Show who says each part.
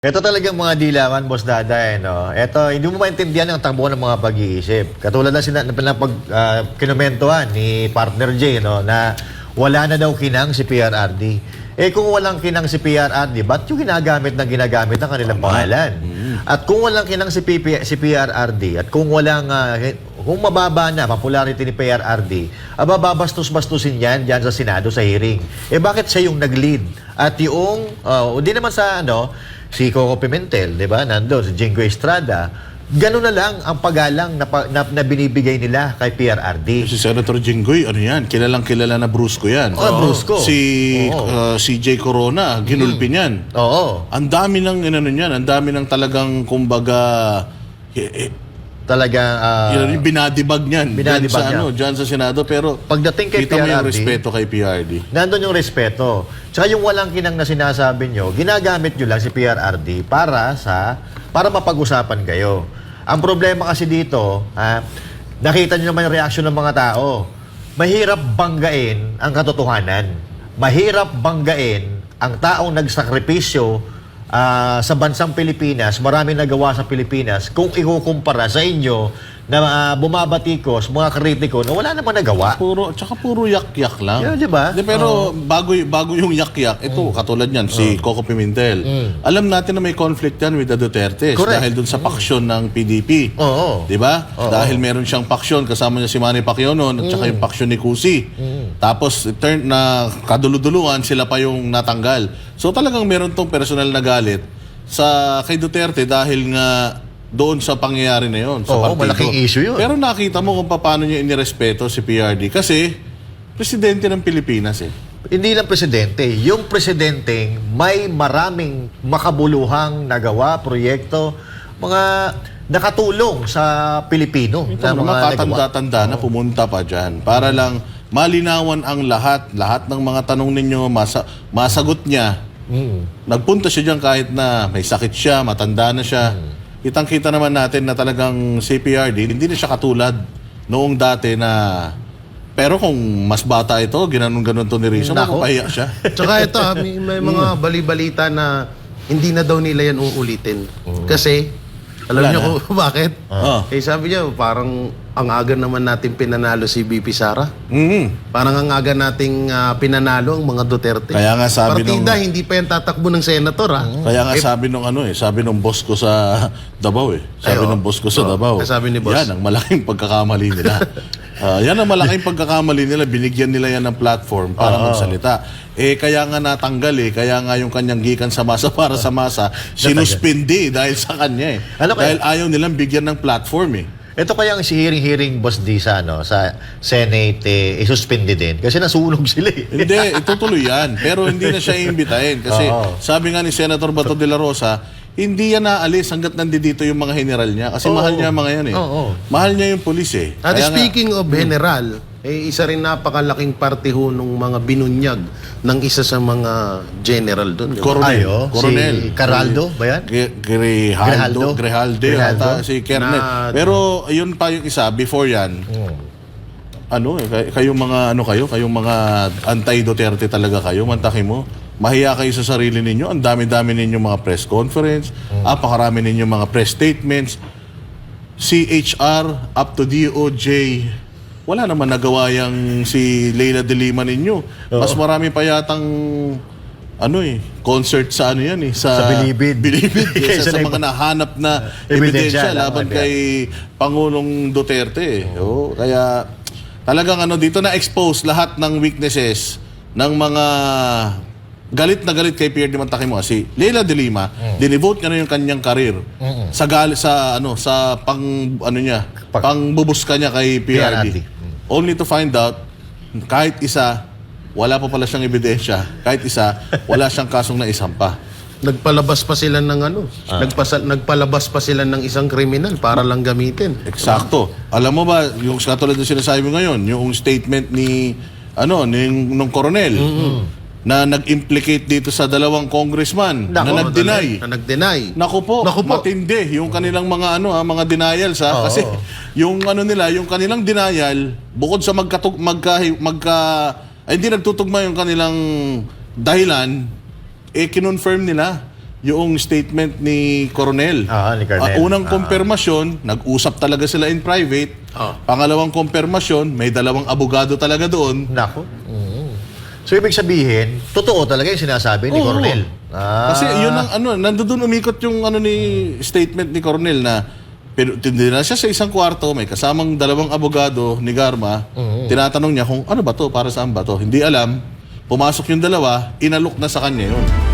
Speaker 1: Ito talagang mga dilawan, Boss Dada, no? Ito, hindi mo maintindihan ang takbo ng mga pag-iisip. Katulad na kinumentuhan ni Partner J, no, na wala na daw kinang si PRRD. Kung walang kinang si PRRD, ba't yung ginagamit ng kanilang pangalan? At kung walang kinang si PRRD, at kung walang, kung mababa na popularity ni PRRD, babastos-bastusin yan dyan sa Senado sa hearing. Bakit siya yung nag-lead? At yung, hindi naman sa, si Coco Pimentel, di ba? Nandun, si Jingo Estrada. Ganun na lang ang pagalang na binibigay nila kay PRRD.
Speaker 2: Si Senator Jinggoy, ano yan? Kilalang-kilala na Brusco yan.
Speaker 1: Brusco.
Speaker 2: Si CJ Corona, ginulpin yan.
Speaker 1: Oo.
Speaker 2: Ang dami ng, ang dami ng talagang, kumbaga,
Speaker 1: Talagang,
Speaker 2: yung binadibag niyan.
Speaker 1: binadibag niya.
Speaker 2: Dyan sa Senado. Pero,
Speaker 1: pagdating kay
Speaker 2: kita mo yung
Speaker 1: PRRD,
Speaker 2: respeto kay PRD.
Speaker 1: nandun yung respeto. Tsaka yung walang kinang na sinasabi nyo, ginagamit nyo lang si PRRD para mapag-usapan kayo. Ang problema kasi dito, nakita nyo naman yung reaksyon ng mga tao. Mahirap banggain ang katotohanan. Mahirap banggain ang taong nagsakripisyo sa bansang Pilipinas, marami nagawa sa Pilipinas, kung ikukumpara sa inyo na bumabatikos, mga kritiko na wala naman nagawa.
Speaker 2: Tsaka puro yak-yak lang.
Speaker 1: Yeah, di ba?
Speaker 2: Pero bago yung yak-yak, ito, katulad yan, si Coco Pimentel. Alam natin na may conflict yan with the Dutertes.
Speaker 1: Correct.
Speaker 2: Dahil dun sa paksyon ng PDP.
Speaker 1: Oo.
Speaker 2: Di ba? Dahil meron siyang paksyon, kasama niya si Manny Pacquiao noon, at saka yung paksyon ni Cusi. Tapos, turn na kaduluduluhan, sila pa yung natanggal. So talagang meron tong personal na galit kay Duterte dahil nga doon sa pangyayari na yun. Sa partido.
Speaker 1: Malaking issue yun.
Speaker 2: Pero nakita mo kung paano niya inirespeto si PRD. Kasi, presidente ng Pilipinas eh.
Speaker 1: Hindi lang presidente. Yung presidenteng may maraming makabuluhang nagawa, proyekto, mga nakatulong sa Pilipino.
Speaker 2: Ito, mga katanda-tanda na pumunta pa dyan para lang malinawan ang lahat ng mga tanong ninyo, masagot niya. Nagpunta siya dyan kahit na may sakit siya, matanda na siya. Kitang-kita naman natin na talagang si PRD, hindi na siya katulad noong dati na... Pero kung mas bata ito, ginanon-ganon to ni Rizzo, mapapahiya siya.
Speaker 3: Tsaka ito, may mga bali-balita na hindi na daw nila yan uulitin. Kasi, alam niyo kung bakit? Sabi niya, parang ang aga naman natin pinanalo si BP Sara. Parang ang aga nating pinanalo ang mga Duterte.
Speaker 2: Kaya nga sabi
Speaker 3: Partida, hindi pa yan tatakbo ng senator.
Speaker 2: Kaya nga sabi nung boss ko sa Davao Sabi nung boss ko sa Davao.
Speaker 3: Sabi ni boss.
Speaker 2: Yan ang malaking pagkakamali nila. Yan ang malaking pagkakamali nila. Binigyan nila yan ng platform para magsalita. Kaya nga natanggal Kaya nga yung kanyang gikan sa masa para sa masa, sinuspindi dahil sa kanya dahil ayaw nilang bigyan ng platform
Speaker 1: Ito kaya ang si hearing Boss D sa Senate isuspindi din kasi nasunog sila
Speaker 2: Hindi, itutuloy yan. Pero hindi na siya iimbitahin kasi sabi nga ni Senator Bato de la Rosa, hindi yan naalis hanggat nandito yung mga general niya kasi mahal niya mga yan Mahal niya yung pulis
Speaker 3: At
Speaker 2: Kaya
Speaker 3: speaking of general, isa rin napakalaking parte ho nung mga binunyag ng isa sa mga general doon.
Speaker 2: Coronel.
Speaker 1: Si Caraldo ba yan?
Speaker 2: Grijalde. Si Kernel. Pero yun pa yung isa, before yan, kayong mga anti-Duterte talaga kayo, mantakin mo. Mahiya kayo sa sarili ninyo. Ang dami-dami ninyo mga press conference, apakarami ninyo mga press statements, CHR, up to DOJ, wala naman nagawa yang si Leila de Lima ninyo. Mas marami pa yatang concert sa sa
Speaker 1: Bilibid.
Speaker 2: Kaysa sa mga nahanap na ebidensya laban kay Pangulong Duterte. Kaya talagang dito na-expose lahat ng weaknesses ng mga galit na galit kay Pierre de Mantakimo. Si Leila de Lima, dinivote niya na yung kanyang karir sa pangbubuska niya kay PRD. Only to find out, kahit isa, wala pa pala siyang ebidensya. Kahit isa, wala siyang kasong naisampa.
Speaker 3: Nagpalabas pa sila ng nagpalabas pa sila ng isang kriminal para lang gamitin.
Speaker 2: Eksakto. Alam mo ba, yung katulad ng sinasabi mo ngayon, yung statement nung koronel, na nag-implicate dito sa dalawang congressman na nag-deny. Naku po, matindi yung kanilang mga mga denials kasi yung yung kanilang denial bukod sa hindi nagtutugma yung kanilang dahilan kinonfirm nila yung statement ni Coronel.
Speaker 1: Ni Colonel.
Speaker 2: Unang konfirmasyon, nag-usap talaga sila in private. Pangalawang konfirmasyon, may dalawang abogado talaga doon.
Speaker 1: Nako. So, ibig sabihin, totoo talaga yung sinasabi ni
Speaker 2: Oo.
Speaker 1: Coronel.
Speaker 2: Kasi yun ang nandoon umikot yung ni statement ni Coronel na pero tindira siya sa isang kwarto, may kasamang dalawang abogado ni Garma. Tinatanong niya kung ano ba to, para saan ba to. Hindi alam. Pumasok yung dalawa, inalok na sa kanya yun.